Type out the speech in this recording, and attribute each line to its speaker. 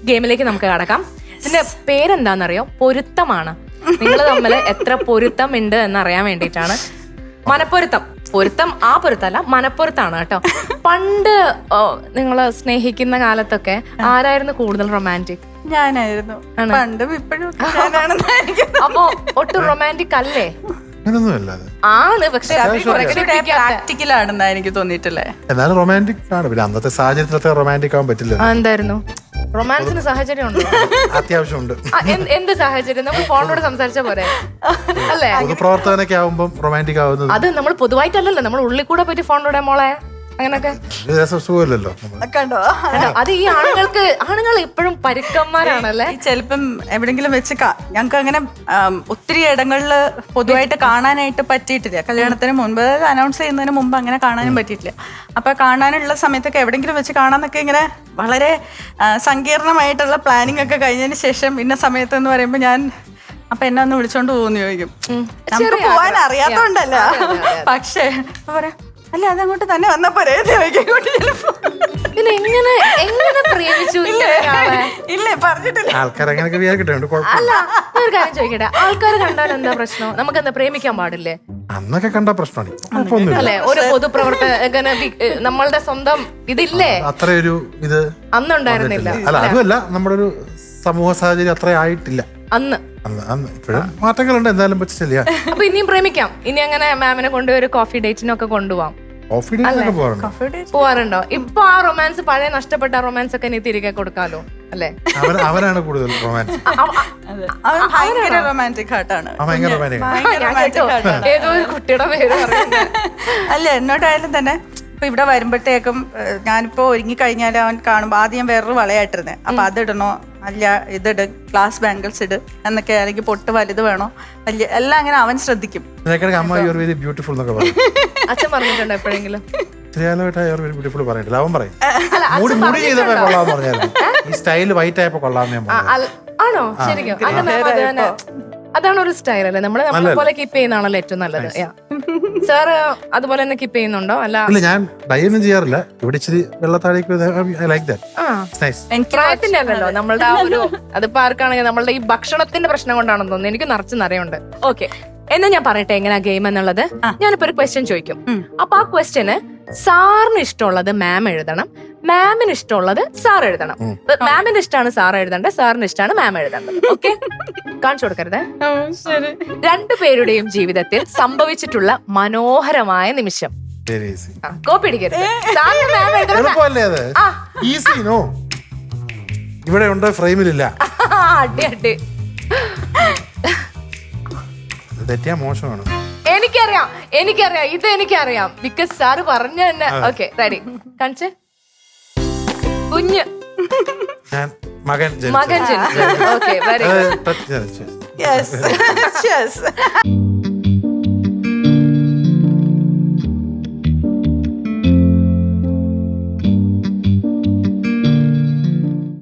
Speaker 1: ഗെയിമിലേക്ക് നമുക്ക് കടക്കാം. ഇതിന്റെ പേരെന്താണെന്നറിയോ? പൊരുത്തമാണ്. നിങ്ങൾ തമ്മിൽ എത്ര പൊരുത്തം ഉണ്ട് എന്നറിയാൻ വേണ്ടിയിട്ടാണ്. മനപ്പൊരുത്തം. പൊരുത്തം ആ പൊരുത്തല്ല, മനപ്പൊരുത്താണ് കേട്ടോ. പണ്ട് നിങ്ങൾ സ്നേഹിക്കുന്ന കാലത്തൊക്കെ ആരായിരുന്നു കൂടുതൽ റൊമാൻറ്റിക്?
Speaker 2: ഞാനായിരുന്നു. പണ്ടും ഇപ്പോഴും.
Speaker 1: അപ്പൊ ഒട്ടും റൊമാൻറ്റിക് അല്ലേ? ആണ്, പക്ഷെ
Speaker 2: പ്രാക്ടിക്കലാണെന്നാ എനിക്ക് തോന്നിയിട്ടില്ലേ.
Speaker 3: എന്നാലും റൊമാൻറ്റിക് ആണ്. പിന്നെ അന്നത്തെ സാഹചര്യത്തിലത്തെ റൊമാൻറ്റിക് ആവാൻ പറ്റില്ല.
Speaker 1: എന്തായിരുന്നു റൊമാൻസിന് സാഹചര്യം ഉണ്ടോ?
Speaker 3: അത്യാവശ്യമുണ്ട്.
Speaker 1: എന്ത് സാഹചര്യം? നമ്മൾ ഫോണിലൂടെ സംസാരിച്ച പോരെ അല്ലേ?
Speaker 3: പൊതുപ്രവർത്തകനൊക്കെ ആവുമ്പോൾ റൊമാൻറ്റിക് ആവുന്നത്
Speaker 1: അത് നമ്മൾ പൊതുവായിട്ടല്ലല്ലോ, നമ്മൾ ഉള്ളിൽ കൂടെ പോയിട്ട് ഫോണിലൂടെ മോളെ അങ്ങനൊക്കെ
Speaker 3: സുഖമല്ലല്ലോ.
Speaker 2: കണ്ടോ,
Speaker 1: അത് ഈ ആണുങ്ങൾ എപ്പോഴും പരുക്കന്മാരാണല്ലേ.
Speaker 2: ചിലപ്പം എവിടെങ്കിലും വെച്ച് ഞങ്ങൾക്ക് അങ്ങനെ ഒത്തിരി ഇടങ്ങളിൽ പൊതുവായിട്ട് കാണാനായിട്ട് പറ്റിയിട്ടില്ല. കല്യാണത്തിന് മുൻപ്, അനൗൺസ് ചെയ്യുന്നതിന് മുമ്പ് അങ്ങനെ കാണാനും പറ്റിയിട്ടില്ല. അപ്പൊ കാണാനുള്ള സമയത്തൊക്കെ എവിടെങ്കിലും വെച്ച് കാണാന്നൊക്കെ ഇങ്ങനെ വളരെ സങ്കീർണമായിട്ടുള്ള പ്ലാനിങ് ഒക്കെ കഴിഞ്ഞതിന് ശേഷം ഇന്ന സമയത്ത് എന്ന് പറയുമ്പോൾ ഞാൻ അപ്പൊ എന്നെ ഒന്ന് വിളിച്ചോണ്ട് പോകുന്നു ചോദിക്കും. നമുക്ക് പോവാൻ അറിയാത്തോണ്ടല്ല, പക്ഷേ പറയാ അല്ല അതങ്ങോട്ട് തന്നെ വന്നപ്പോ ഇല്ലേ പറഞ്ഞിട്ടില്ല.
Speaker 1: അല്ല, ഒരു കാര്യം ചോദിക്കട്ടെ, ആൾക്കാർ കണ്ടാൽ എന്താ പ്രശ്നം? നമുക്ക് എന്താ പ്രേമിക്കാൻ പാടില്ലേ?
Speaker 3: അന്നൊക്കെ കണ്ട പ്രശ്നമാണ്
Speaker 1: അല്ലെ? ഒരു പൊതുപ്രവർത്തകന് നമ്മളുടെ സ്വന്തം ഇതില്ലേ?
Speaker 3: അത്രയൊരു ഇത്
Speaker 1: അന്നുണ്ടായിരുന്നില്ല.
Speaker 3: അല്ല, അതുമല്ല, നമ്മുടെ ഒരു സമൂഹ സാഹചര്യം അത്ര ആയിട്ടില്ല
Speaker 1: അന്ന്.
Speaker 3: ഇപ്പോഴും മാറ്റങ്ങളുണ്ട്. എന്തായാലും പറ്റില്ല.
Speaker 1: അപ്പൊ ഇനിയും പ്രേമിക്കാം. ഇനി അങ്ങനെ മാമിനെ കൊണ്ടുപോയി ഒരു കോഫി ഡേറ്റിനൊക്കെ കൊണ്ടുപോവാം. പോവാറുണ്ടോ? ഇപ്പൊ ആ റൊമാൻസ്, പഴയ നഷ്ടപ്പെട്ട റൊമാൻസ് ഒക്കെ ഇനി തിരികെ കൊടുക്കാലോ അല്ലേ?
Speaker 3: അവനാണ് കൂടുതൽ റൊമാൻസ്.
Speaker 2: ഭയങ്കര റൊമാൻറ്റിക് ഹാർട്ടാണ്.
Speaker 1: ഏതോ ഒരു കുട്ടിയുടെ പേര്
Speaker 2: അല്ല, എന്നോട്ടായാലും തന്നെ ഇപ്പൊ ഇവിടെ വരുമ്പോഴത്തേക്കും ഞാനിപ്പോ ഒരുങ്ങി കഴിഞ്ഞാൽ അവൻ കാണുമ്പോ ആദ്യം വേറൊരു വളയായിട്ടിരുന്നേ. അപ്പൊ അതിടണോ, അല്ല ഇതിട്, ഗ്ലാസ് ബാംഗിൾസ് ഇട് എന്നൊക്കെ, അല്ലെങ്കിൽ പൊട്ട് വലുത് വേണോ, വലിയ എല്ലാം അങ്ങനെ അവൻ ശ്രദ്ധിക്കും.
Speaker 1: അച്ഛൻ പറഞ്ഞിട്ടുണ്ടോ എപ്പോഴെങ്കിലും? ആണോ? ശരിക്കും അതാണ് ഒരു സ്റ്റൈൽ അല്ലേ? നമ്മളെ പോലെ കീപ്പ് ചെയ്യുന്നതാണല്ലോ ഏറ്റവും നല്ലത്. സാറ് അതുപോലെ തന്നെ കീപ്പ് ചെയ്യുന്നുണ്ടോ? അല്ല,
Speaker 3: ഞാൻ ഡൈ ഒന്നും ചെയ്യാറില്ല. ഇവിടെ ഇച്ചിരി വെള്ളത്താഴേക്ക്
Speaker 1: പ്രായത്തിന്റെ അല്ലല്ലോ നമ്മളുടെ ആ ഒരു, അതിപ്പോ ആർക്കാണെങ്കിൽ നമ്മളുടെ ഈ ഭക്ഷണത്തിന്റെ പ്രശ്നം കൊണ്ടാണെന്ന് തോന്നുന്നു. എനിക്ക് നിറച്ച് നിറയുണ്ട്. ഓക്കെ, എന്നാ ഞാൻ പറയട്ടെ എങ്ങനെയാ ഗെയിം എന്നുള്ളത്. ഞാനിപ്പോ ഒരു ക്വസ്റ്റ്യൻ ചോദിക്കും. അപ്പൊ ആ ക്വസ്റ്റ്യന് സാറിന് ഇഷ്ടമുള്ളത് മാം എഴുതണം, മാമിന് ഇഷ്ടമുള്ളത് സാർ എഴുതണം. മാമിന് ഇഷ്ടമാണ് സാർ എഴുതേണ്ടത്, സാറിന് ഇഷ്ടമാണ് മാം എഴുതേണ്ടത്. ഓക്കെ, കാണിച്ചു കൊടുക്കരുത്. രണ്ടുപേരുടെയും ജീവിതത്തിൽ സംഭവിച്ചിട്ടുള്ള മനോഹരമായ നിമിഷം. കോപ്പി അടിക്കരുത്.
Speaker 3: ഇവിടെ ഉണ്ട്, ഫ്രെയിമിലില്ല.
Speaker 1: അടി അടി,
Speaker 3: തെറ്റിയാ മോശമാണ്.
Speaker 1: എനിക്കറിയാം, ഇത് എനിക്കറിയാം. ബിക്കോസ് സാറ് പറഞ്ഞു തന്നെ. Okay, ready? കാണിച്ചേ. കുഞ്ഞ്
Speaker 3: മകൻ
Speaker 1: ജനിച്ചു. Okay, very good.